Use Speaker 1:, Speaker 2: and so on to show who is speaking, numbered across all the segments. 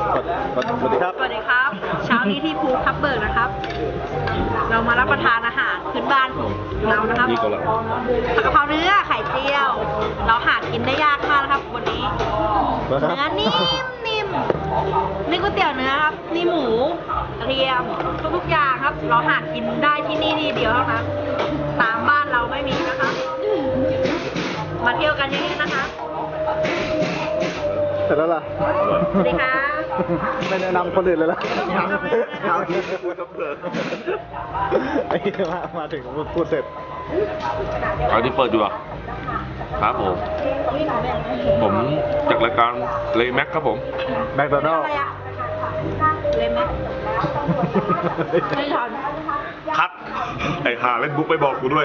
Speaker 1: สวัสดีครับ
Speaker 2: สวัสดีครับ เช้านี้ที่ภูทับเบิกนะครับ เรามารับประทานอาหารพื้นบ้านของเรานะครับผัดกะเพราเนื้อไข่เจียว เราหากินได้ยากมากนะครับวันนี้เนื้อนิ่มนี่ก๋วยเตี๋ยวเนื้อครับนี่หมูกระเทียมทุกๆอย่างครับ เราหากินได้ที่นี่ที่เดียวเท่านั้นตามบ้านเราไม่มีนะครับมาเที่ยวกันเยอะๆนะคะ
Speaker 1: เสร็จแล้วล่ะ
Speaker 2: สวัสดีค่ะ
Speaker 1: ไม่แนะนำคนอื่นเลยล่ะเอาที่พูดทับเบิกไอ้มาถึงพูดเสร็จ
Speaker 3: เอาที่เปิดดูอ่ะครับผมจากรายการเลแม็กครับผม
Speaker 1: แมคโดนัลด์
Speaker 2: เลยไหมไม่ทัน
Speaker 3: คัดไอ้หาเล่นบุ๊กไปบอกกูด้วย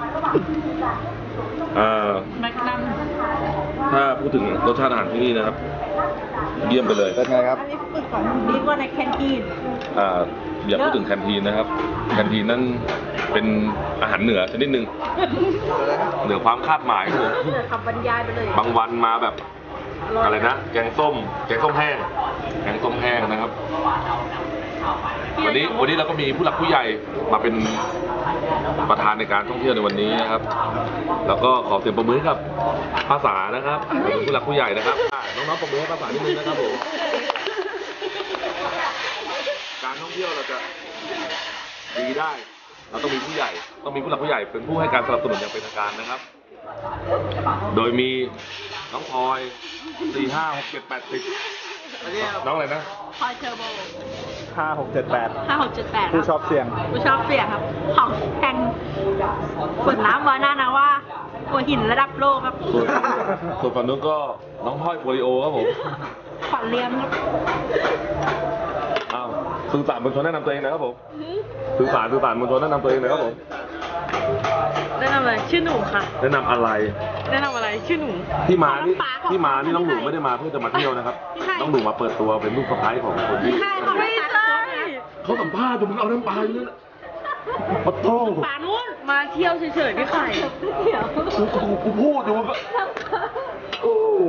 Speaker 2: แม็กนัม
Speaker 3: ถ้าพูดถึงรสชาติอาหารที่นี่นะครับเยี่ยมไปเลย
Speaker 1: เป็นไงครับ
Speaker 2: อันนี้ฝึกก่อนดีกว่าในแคนทีน
Speaker 3: อย่าพูดถึงแคนทีนนะครับแคนทีนนั่นเป็นอาหารเหนือชนิดหนึ่งเหนือความคาดหมายครับผม
Speaker 2: คำบรรยายไปเลย
Speaker 3: บางวันมาแบบอะไรนะแกงส้มแห้งนะครับ วันนี้เราก็มีผู้หลักผู้ใหญ่มาเป็นประธานในการท่องเที่ยวในวันนี้นะครับ แล้วก็ขอเสียงปรบมือให้กับภาษานะครับเป็นผู้หลักผู้ใหญ่นะครับน้องๆปรบมือให้ภาษานิดนึงนะครับผมการท่องเที่ยวเราจะดีได้เราต้องมีผู้ใหญ่ต้องมีผู้หลักผู้ใหญ่เป็นผู้ให้การสนับสนุนอย่างเป็นทางการนะครับ โดยมีน้องพลอย4 5 6 7 8 10น้องอะไรนะ
Speaker 2: พอยเทอร์โบ
Speaker 1: 5 6 7 8
Speaker 2: 5678
Speaker 1: ผู้ชอบเสี่ยง
Speaker 2: ผู้ชอบเสี่ยงครับ ของแข่งฝนน้ำวาน่านะว่าหัวหินระดับโลกครับ
Speaker 3: ส่วนฝั่งนู้นก็น้องพลอยโปลิโอครับผม
Speaker 2: ขวัญเลี้ยมครับ
Speaker 3: อ้าวสื่อสารมวลชนแนะนำตัวเองนะครับผมสื่อสารมวลชนแนะนำตัวเองหนะครับผม
Speaker 2: แนะนำอะไรชื่อหนูค่ะ
Speaker 3: แนะนำอะไร
Speaker 2: แนะนำอะไรชื่อหนู
Speaker 3: ที่มานี่น้องหนูไม่ได้มาเพื่อจะมาเที่ยวนะครับ น้องหนูมาเปิดตัวเป็นลูกสะใภ้ของคนที่
Speaker 2: ใช่ค่ะไม่ใช่
Speaker 3: เขาสัมภาษณ์อยู่มึงเอาน้ำปลาเนี่ยปะโต้
Speaker 2: ปานุ่นมาเที่ยวเฉยๆพี่ไข่เดี๋ยว
Speaker 3: กูพูดอยู่มึงก็โอ้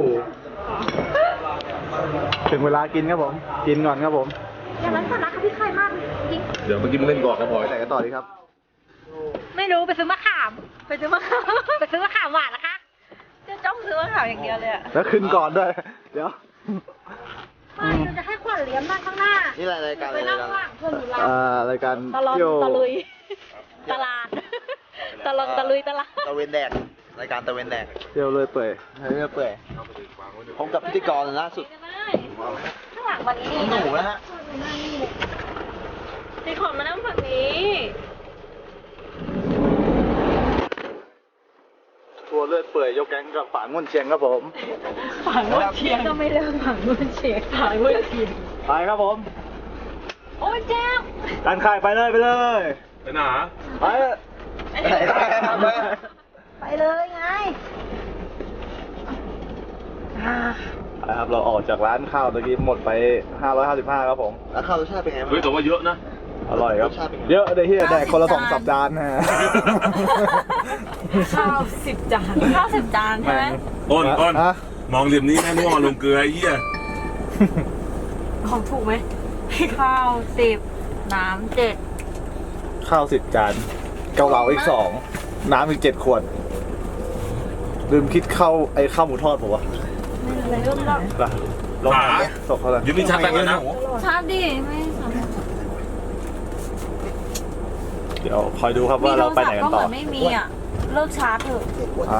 Speaker 1: ถึงเวลากินครับผม กินก่อนครับผม
Speaker 2: อย่างนั้นสาระกับพี่ไข่มากจริง
Speaker 3: เดี๋ยวเมื่อกี้มึงเล่นก่อนนะพลอย
Speaker 1: ไปไหนกันต่อดีครับ
Speaker 2: ไม่รู้ไปซื้อมะขามไปซื้อมะขามหวานนะคะจะจ้องซื้อมะขามอย่างเดียวเลยอะ
Speaker 1: แล้วขึ้นก่อนด้วย เดี๋ยว
Speaker 2: ไม่เราจะให้ขวัญเลี้ยงนั่งข้างหน้า
Speaker 1: นี่รายการ
Speaker 2: ไปนั่งข้างหลังเพื่อนหนูรัก
Speaker 1: รายการ
Speaker 2: ตลอน
Speaker 1: เที่ยว
Speaker 2: ตะลุยตลาดตลอนตะลุยตลาด
Speaker 4: ตะเวนแดกรายการตะเวนแดก
Speaker 1: เที่ยวเลยเปื่อย
Speaker 4: เรื่อยเปื่อยพบกับพิธีกรล่าสุด
Speaker 2: ข้างหลังวันนี้
Speaker 4: หนูนะฮะ
Speaker 2: มีคนมานั่งฝั่งนี้
Speaker 1: ทัวร์เลือดเปื่อยยกแก๊งกับฝางง่วนเชียงครับผม
Speaker 2: ฝั่งนู้นเชียงก็ไม่เลิกฝั่งนู้นเชียงฝั่งนู้นเชียง
Speaker 1: ไปครับผม
Speaker 2: โอ้ยแจ๊บ
Speaker 1: การขายไปเลย
Speaker 3: ไปไหน
Speaker 1: ไป
Speaker 2: ไปเลยไง
Speaker 1: ครับเราออกจากร้านข้าวตะกี้หมดไป555ครับผม
Speaker 4: แล้วข้าวรสชาติเป็นไงบ้าง
Speaker 3: เฮ้ยแต่ว่าเยอะนะ
Speaker 1: อร่อยครับ
Speaker 4: รสชาติเป็นไง
Speaker 1: เยอะเลยที่แดกคนละ2 สัปดาห์นะฮะ
Speaker 2: ข้าว10 จานข้าว10 จานใช่ไหม
Speaker 3: อ้น
Speaker 1: ฮะ
Speaker 3: มองเหลี่ยมนี้แม่ม่วงลงเกลือไอ้เหี้ย
Speaker 2: ของถูกไหมข้าว10น้ำ7
Speaker 1: ข้าว10 จาน เกาเหลาอีก2 น้ำอีก7 ขวด ลืมคิดข้าวหมูทอดผมวะ
Speaker 2: อะไรเริ่มแล้ว
Speaker 1: ไปลองถามเนี่ยตกเขาเลย
Speaker 3: ยืมนี่ชัดไปกันนะ
Speaker 2: ชาดิไม่สามารถ
Speaker 1: เดี๋ยวคอยดูครับว่าเราไปไหนกันต่อ
Speaker 2: ไม่มีอ่ะเลิกชาร์จเถอะ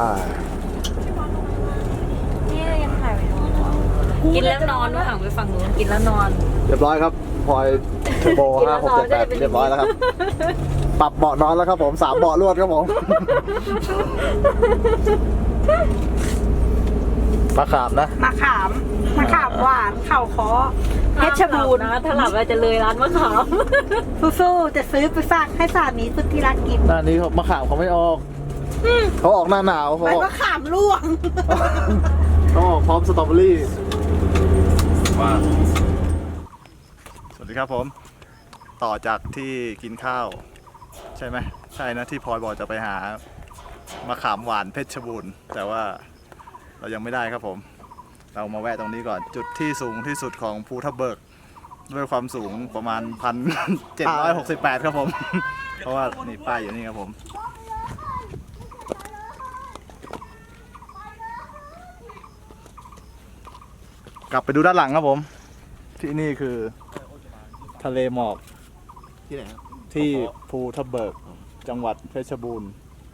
Speaker 2: นี่ยังถ่ายไปกินแล้วนอนด้วยห่างไปฝั่งนู้นกินแล้วนอน
Speaker 1: เรียบร้อยครับพลอยเทอร์โบ5678เรียบร้อยแล้วครับ ปรับเบาะนอนแล้วครับผม3 เบาะรวดครับผมมะขามนะ
Speaker 2: มะขามหวานเข่าคอเพชรบูรณ์นะถ้าหลับเราจะเลยร้านมะขามสู้ๆจะซื้อไปฝากให้สามีสุดที่รักกิน
Speaker 1: หน้านี้มะขามเขาไม่ออกเขาออกหน้าหนาวเขา
Speaker 2: ไป
Speaker 1: ออก
Speaker 2: มะขามร่วง
Speaker 1: เขาออกพร้อมสตรอเบอรี่สวัสดีครับผม ต่อจากที่กินข้าว ใช่ไหมใช่นะที่พลอยบอกจะไปหามะขามหวานเพชรบูรณ์แต่ว่าเรายังไม่ได้ครับผมเรามาแวะตรงนี้ก่อนจุดที่สูงที่สุดของภูทับเบิกด้วยความสูงประมาณ 1,768 ครับผม เพราะว่านี่ป้ายอยู่นี่ครับผม กลับไปดูด้านหลังครับผม ที่นี่คือทะเลหมอก
Speaker 4: ที่ไหนครับ
Speaker 1: ที่ภูทับเบิกจังหวัดเพชรบูรณ์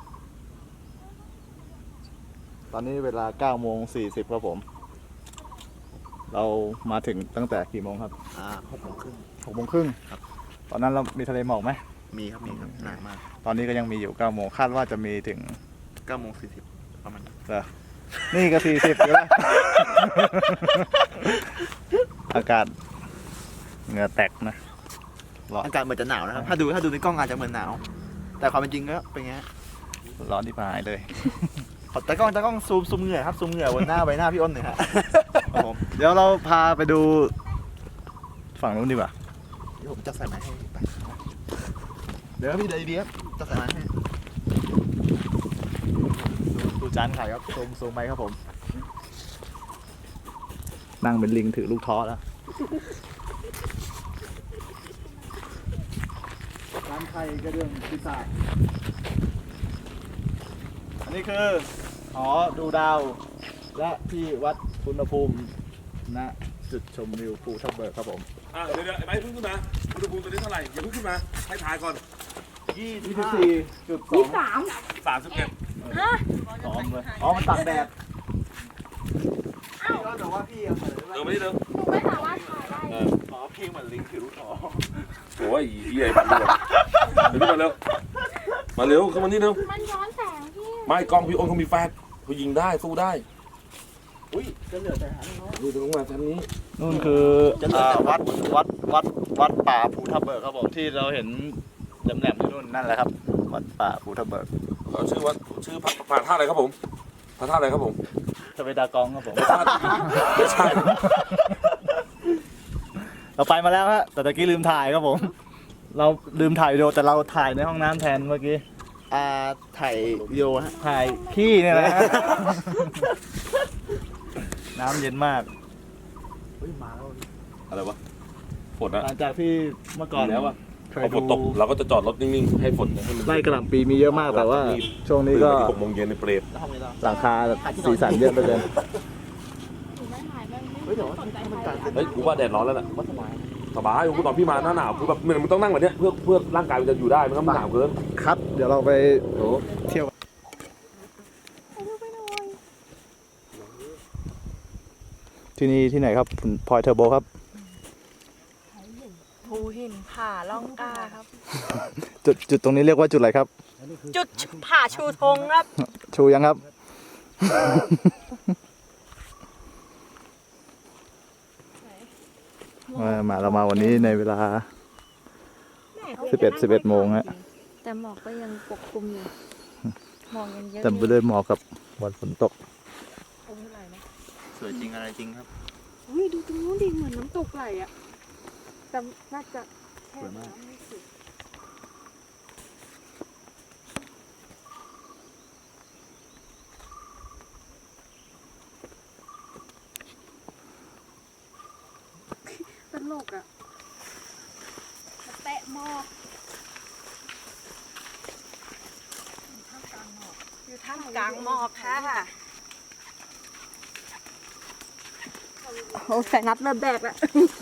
Speaker 1: ตอนนี้เวลา 9:40 ครับผม เรามาถึงตั้งแต่กี่โมงครับ
Speaker 4: 6:30
Speaker 1: 6:30
Speaker 4: ครับ
Speaker 1: ตอนนั้นเรามีทะเลหมอกไหม
Speaker 4: มีครับหนามาก
Speaker 1: ตอนนี้ก็ยังมีอยู่ 9 โมงคาดว่าจะมีถึง
Speaker 4: 9:40ประมาณนั้น
Speaker 1: เหรอนี่ก็ 40อยู่แล้ว อากาศเหงื่อแตกนะร้อน
Speaker 4: อากาศเหมือนจะหนาวนะครับ ถ้าดูในกล้องอาจจะเหมือนหนาว แต่ความเป็นจริงก็เป็นไงฮะ
Speaker 1: ร้อนที่พายเลย
Speaker 4: ขอตากล้องซูมเหงื่อครับซูมเหงื่อบนหน้าใบหน้าพี่อ้นหน่อยฮะ
Speaker 1: ครับผม เดี๋ยวเราพาไปดูฝั่งนู้นดีกว่า
Speaker 4: เดี๋ยวผมจะใส่ไม้ให้ไปเดี๋ยวพี่เดี๋ยวดีครับจะใส่ไม้ให้
Speaker 1: ดูจานไข่ครับซูมไหมครับผม นั่งเป็นลิงถือลูกท้อแล้วจานไข่กระเดื่องปีศาจอันนี้คือหอดูดาว และที่วัดอุณหภูมิณจุดชมวิวภูทับเบิกครับผม
Speaker 3: เดี๋ยวไอ้ไม้พึ่งขึ้นมาอุณหภูมิตอนนี้เท่าไหร่อย่าเพิ่งขึ้นมาให้ถ่ายก่อน
Speaker 1: 24.2
Speaker 3: 31
Speaker 1: ซ้อมเลยอ๋อ มันตัดแดด
Speaker 4: พี่อ้นบอกว่าพี่เอาใส่ไว้
Speaker 3: เดินมานี่เดิน
Speaker 5: ไม่สามารถถ่ายได้
Speaker 4: อ๋อเพลงเหมือนลิงถือลูกท้อ
Speaker 3: โอ้ยเหี้ยมันดูเดี๋ยวมาเร็วขึ้นมานี่เร็ว
Speaker 5: มันย้อนแสงพี่
Speaker 3: ไม่กล้องพี่อ้นเขามีแฟลชเขายิงได้สู้ได้
Speaker 4: อุ้ยจะเหลือแต่หางเขา
Speaker 3: ดูตรงมาชั้นนี้
Speaker 1: นู่นคือวัดป่าภูทับเบิกครับผมที่เราเห็นแหลมๆอยู่นู่นนั่นแหละครับ วัดป่าภูทับเบิก
Speaker 3: เขาชื่อว่าชื่อพระธาตุอะไรครับผมพระธาตุอะไรครับผม
Speaker 1: สเวดากองครับผม
Speaker 3: ไม่ใช่
Speaker 1: เราไปมาแล้วฮะแต่ตะกี้ลืมถ่ายครับผม เราลืมถ่ายวิดีโอแต่เราถ่ายในห้องน้ำแทนเมื่อกี้
Speaker 4: ถ่ายวิดีโอฮะ
Speaker 1: ถ่ายขี้เนี่ยแหละฮะ น้ำเย็นมาก
Speaker 4: เฮ้ยมาแล้ว
Speaker 3: อะไรวะฝนอะ
Speaker 1: หลังจากที่เมื่อก่อน
Speaker 3: แล้วอะ
Speaker 1: เคย
Speaker 3: พอฝ
Speaker 1: ดู
Speaker 3: นตกเราก็จะจอดรถนิ่งๆให้ฝนให้มัน
Speaker 1: ไล่กระหล่ำปีมีเยอะมากแต่ว่า ช่วงนี้ก็
Speaker 3: 6 โมงเย็นในเปรต
Speaker 4: แล้วห้องนี้เรา
Speaker 1: หลังคาสีสันเยอะไปเลย
Speaker 5: หนูไม่ถ่ายไม่
Speaker 4: เฮ้ยเดี๋ยวว่าถ้ามันการเป็น
Speaker 3: เฮ้ยกูว่าแดดร้อนแล้วน่ะ
Speaker 4: วัดสมัย
Speaker 3: สบายกูตอนพี่มาหน้าหนาวคือแบบมันต้องนั่งแบบเนี้ยเพื่อร่างกายมันจะอยู่ได้มันต้องหนาวเกิน
Speaker 1: ครับ เดี๋ยวเราไปเที่ยว ที่นี่ที่ไหนครับคุณพลอยเทอร์โบครับ
Speaker 2: ภูหินผาล่องกล้าครับ
Speaker 1: จุดตรงนี้เรียกว่าจุดอะไรครับ
Speaker 2: จุดผาชูธงครับ
Speaker 1: ชูยังครับ มาเรามาวันนี้ในเวลา 11 โมงฮะ
Speaker 5: แต่หมอกก็ยังปกคลุมอยู่หมอกยังเยอะ
Speaker 1: แต่ไปด้วยหมอกกับวันฝนตก
Speaker 4: สวยจริงอะไรจริงครับ
Speaker 5: อุ้ยดูตรงนู้นดิเหมือนน้ำตกไหลอ่ะแต่น่าจะแค่
Speaker 4: สวยมาก
Speaker 5: น้ำไม่สุดตลกอ่ะแตะหมอก
Speaker 2: อยู่ท่ามกลางหมอกค่ะ
Speaker 5: โอ้แสนัดเริ่มแดกแล้ว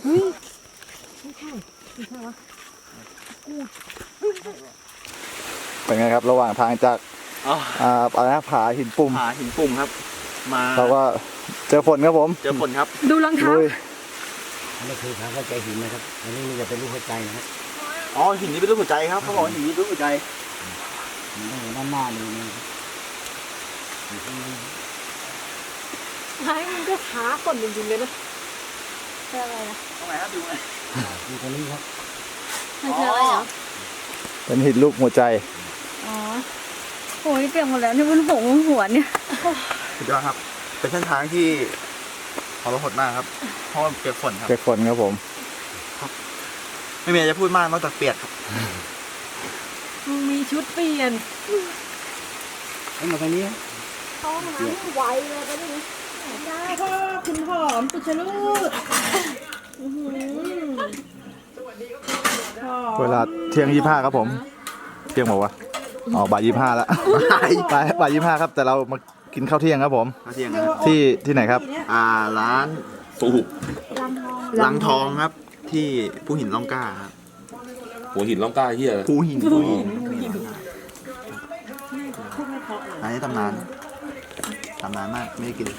Speaker 1: เป็นไงครับ ระหว่างทางจาก
Speaker 4: อ๋อ
Speaker 1: อะไรนะผาหินปุ่ม
Speaker 4: หาหินปุ่มครับ มา
Speaker 1: เราก็เจอฝนครับผม
Speaker 4: เจอฝนครับ
Speaker 5: ดูรองเท้า
Speaker 1: ลุย
Speaker 6: อันนี้คือทางเข้าใจหินนะครับ อันนี้มันจะเป็นรูปหัวใจนะครับ
Speaker 4: อ๋อหินนี้เป็นรูปหัวใจครับเขาบอกว่าหินนี้เป็นรูปหัวใจ
Speaker 6: มันต้องอยู่ด้านหน้าเลยนะครับอยู่ข้างใน
Speaker 5: ไม้มันก็ช้าฝนจริงๆเลยนะเป็นอะไรนะ
Speaker 4: ตรงไหนครับดูไหม
Speaker 6: อยู่ตรงนี้ครับ
Speaker 5: มันคืออะไรเหรอ
Speaker 1: เป็นหินลูกหัวใจ
Speaker 5: อ๋อโอ้ยเปียกหมดแล้วนี่มันหัวเนี่ย
Speaker 4: สุดยอดครับ เป็นเส้นทางที่ทรหดมากครับ เพราะว่าเปียกฝนครับ
Speaker 1: เปียกฝนครับผม
Speaker 4: ไม่มีอะไรจะพูดมากนอกจากเปียกครับ
Speaker 2: มึงมีชุดเปลี่ยน
Speaker 6: ให้มาทางนี้ครับ
Speaker 5: เข้าห้องน้ำไวเลยไปดิ
Speaker 2: จ้าพ่อคุณหอมสุชลูดอื้อหือ
Speaker 1: เวลาเที่ยง 25 ครับผม เที่ยงบอกว่าอ๋อบ่าย 25 แล้ว บ่าย 25 ครับ แต่เรามากินข้าวเที่ยงครับผม
Speaker 4: ข้าวเที่ยงนะ
Speaker 1: ที่ไหนครับ
Speaker 4: ร้าน
Speaker 3: สู้
Speaker 4: ลังทองครับ ที่ผู้หินล่องกล้าครับ
Speaker 3: หัวหินล่องกล้าเฮีย
Speaker 4: ผู้หินร้านนี้ตำนานมากไม่ได้กิน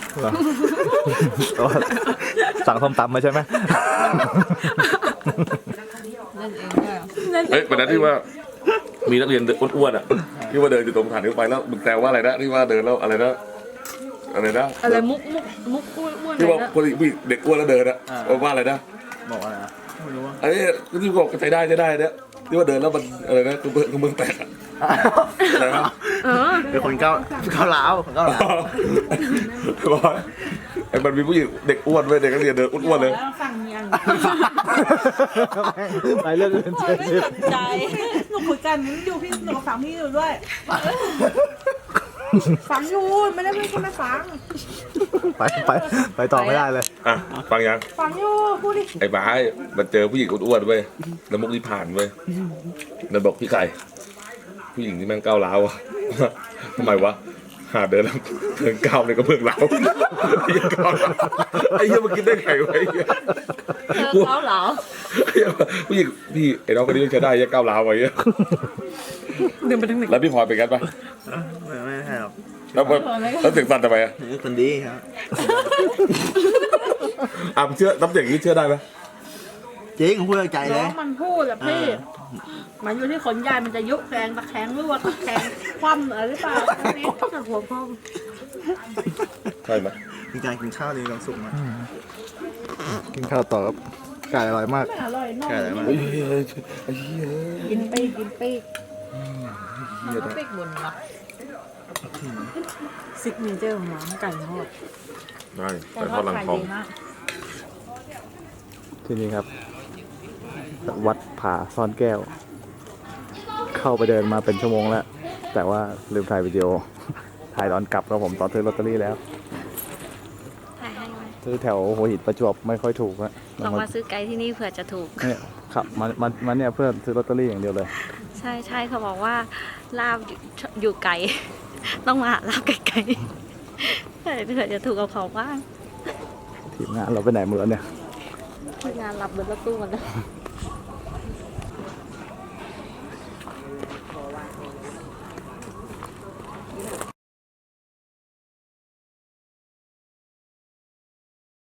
Speaker 1: สั่งส้มตำมาใช่ไหม
Speaker 3: เฮ้ยวันนั้นที่ว่ามีนักเรียนอ้วนๆอ่ะที่ว่าเดินอยู่ตรงฐานรถไฟแล้วมึงแซวว่าอะไรนะที่ว่าเดินแล้วอะไรนะ
Speaker 5: อะไรมุกอ้วนๆ
Speaker 3: ที่ว่า
Speaker 5: เลยนะ
Speaker 3: คนเด็กอ้วนแล้วเดินอ่ะว่าอะไรนะ
Speaker 4: บอกอะไรนะไม่รู้ว่า
Speaker 3: ไอ้ที่บอกใจได้เนี่ยที่ว่าเดินแล้วมันอะไรนะคือเมืองแตกอะอะไรนะ
Speaker 4: เป็นคนก้าวร้าวคนก้าวร้าว
Speaker 3: บอกว่าไอ้มันมีผู้หญิงเด็กอ้วนเว้ยเด็กนักเรียนเดินอ้วนๆเลย
Speaker 2: สั่งยัง
Speaker 1: ไปเรื่องอื่นเฉย
Speaker 2: ใจหนูคุยกันอยู่พี่หนูฟังพี่อยู่ด้วยฟังอยู่ไม่ได้ไม่ใช่ไม่ฟัง
Speaker 1: ไปต่อไม่ได้เลย
Speaker 3: อ่ะฟังยัง
Speaker 2: ฟังอยู่พูดดิ
Speaker 3: ไอ้บ้ามันเจอผู้หญิงอ้วนๆเว้ยแล้วมุกนี่ผ่านเว้ยนั่นบอกพี่ไก่ผู้หญิงที่แม่งก้าวร้าวอะทำไมวะหาเดินแล้วเดินก้าวเลยก็เพิ่งร้าวไอ้เหี้ยมันกินได้ไงวะไอ้เหี้ย
Speaker 5: เขาเหรอ
Speaker 3: ผู้หญิงพี่ไอ้น้องคนนี้ใช้ได้ยังก้าวร้าวไว้เหี้ย
Speaker 5: เดินไปทางไหน
Speaker 3: แล้วพี่พลอยเป็นกันปะ
Speaker 4: ไม่ใช่หรอก
Speaker 3: แล้วเสียงสั่นทำไมอะ
Speaker 4: นี่คนดีครับ
Speaker 3: มึงเชื่อน้ำเสียงนี้เชื่อได้ไหม
Speaker 4: จริงผมพูดจากใจเล
Speaker 2: น้อย งมันพูดแหละพี่มันอยู่ที่ขนยายมันจะยุบแรงตะแคงหรือว่าตะแคงคว่ำอะไรหรือเปล่าอันนี้
Speaker 5: จากหัวพ่อ
Speaker 3: ใช่ไหม
Speaker 4: มีการกินข้าวมีความสุขมาก
Speaker 1: กินข้าวต่อครับไก่อร่อยมาก
Speaker 2: อร่อยน้อง
Speaker 4: แค่ไหนมาก
Speaker 3: ไอ้เหี้ยไอ้เหี้ย
Speaker 2: กินปีกกินปีก
Speaker 5: มันก็ปีกบนนะซิกเนเจอร์ของร้านไก่ทอด
Speaker 3: ได้แต่ทอดหลังทอง
Speaker 1: ที่นี่ครับ วัดผาซ่อนแก้ว เข้าไปเดินมาเป็นชั่วโมงแล้ว แต่ว่าลืมถ่ายวิดีโอ ถ่ายตอนกลับครับผมตอนซื้อลอตเตอรี่แล้ว
Speaker 7: ถ่ายให้ไว้
Speaker 1: ซื้อแถวหัวหินประจวบไม่ค่อยถูกนะ
Speaker 7: ลองมาซื้อไกด์ที่นี่เผื่อจะถูก
Speaker 1: เนี่ยครับมันเนี่ยเพื่อซื้อลอตเตอรี่อย่างเดียวเลย
Speaker 7: ใช่ใช่เขาบอกว่าลาบอยู่ไกล ต้องมาหาลาบไกลๆเผื่อจะถูกกับเขาบ้าง
Speaker 1: ทีมงานเราไปไหนหมดแล้วเนี่ย
Speaker 7: ที่งานรับเบิร์ดรถตู้หมดแล้ว
Speaker 1: เ